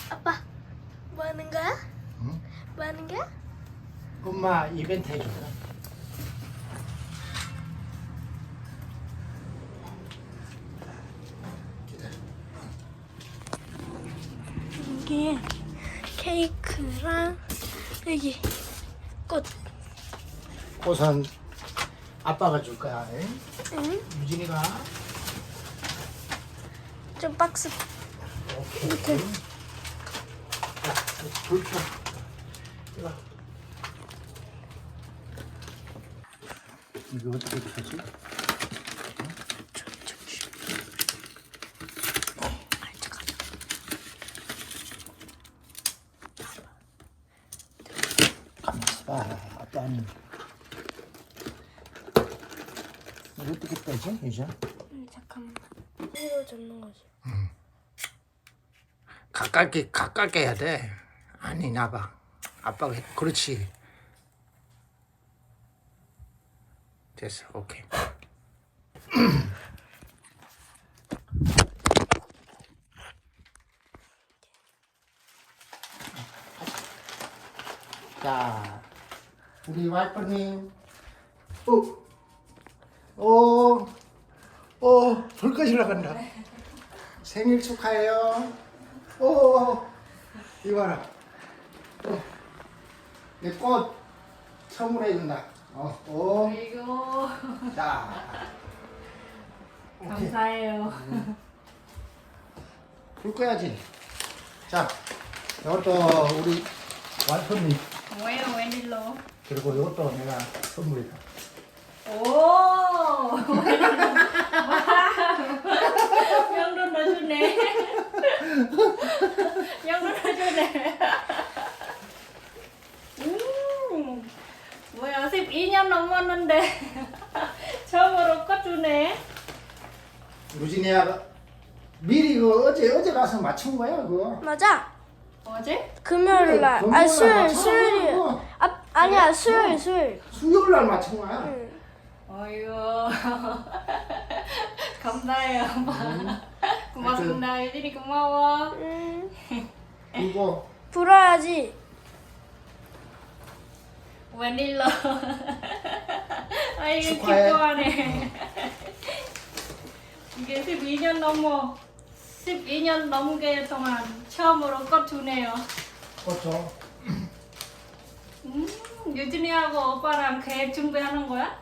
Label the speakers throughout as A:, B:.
A: 아빠, 뭐 하는 거야?
B: 응?
A: 뭐 하는 거야?
B: 엄마 이벤트 해줄까?
A: 여기 케이크랑 여기 꽃.
B: 꽃은 아빠가 줄 거야. 응?
A: 응?
B: 유진이가.
A: 좀 박스.
B: 오케이.
A: 밑에.
B: 자, 불 켜. 이거. 이거 어떻게 켜지? 가만 있어봐. 아빠는 이거 어떻게 빼지? 이제
A: 잠깐만. 이거 잡는 거지.
B: 가깝게 해야 돼. 아니 나봐. 아빠가 그렇지. 됐어. 오케이. 자, 우리 와이프님. 불 꺼지러 간다. 생일 축하해요. 이거 봐라. 내 꽃 선물해 준다.
C: 아이고
B: 자. 오케이.
C: 감사해요.
B: 불 꺼야지. 자, 이것도 우리 와이프님.
C: 뭐예요 웬일로?
B: 그리고 이것도 내가 선물이다.
C: 오 명돈 넣어주네. 명돈 넣어주네. 뭐야 12년 넘었는데 처음으로 꽃 주네.
B: 유진이야, 미리 그 어제 가서 맞춘 거야 그거.
A: 맞아.
C: 어제?
A: 금요일 날.
B: 금요일
A: 아
B: 날
A: 수요일
B: 맞춰.
A: 수요일.
B: 그거.
A: 아니야 수요일.
B: 수요일 날 맞춘 거야.
A: 응.
C: 어이구 감사해요. 고맙습니다. 유진이 고마워.
B: 이거
A: 불어야지.
C: 웬일로? 아이고
B: 축하해.
C: 기뻐하네. 이게 12년 넘게 동안 처음으로 꽃 주네요.
B: 그렇죠.
C: 유진이하고 오빠랑 계획 준비하는 거야?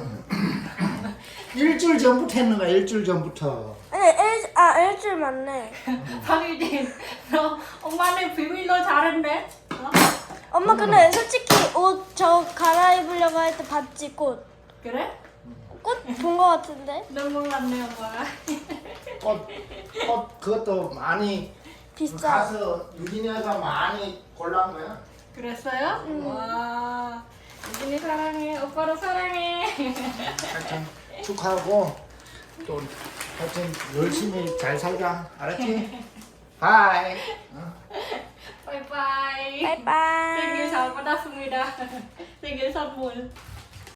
B: 일주일 전부터 했는 거야. 일주일 전부터.
A: 아니 일주일 맞네.
C: 박유진, 너 엄마는 비밀로 잘했네. 어?
A: 엄마 근데 솔직히 옷 저 갈아입으려고 할 때 봤지 꽃.
C: 그래?
A: 꽃 본 거 같은데?
C: 너 몰랐네 엄마가.
B: 꽃 그것도 많이
A: 비싸.
B: 가서 유진이가 많이 골라온 거야.
C: 그랬어요? 와, 유진이 사랑해, 오빠도 사랑해.
B: 하여튼 축하하고 또 하여튼 열심히 잘 살자. 알았지? 바이.
C: 바이바이.
A: 바이바이.
C: 생일 잘 받았습니다. 생일 선물.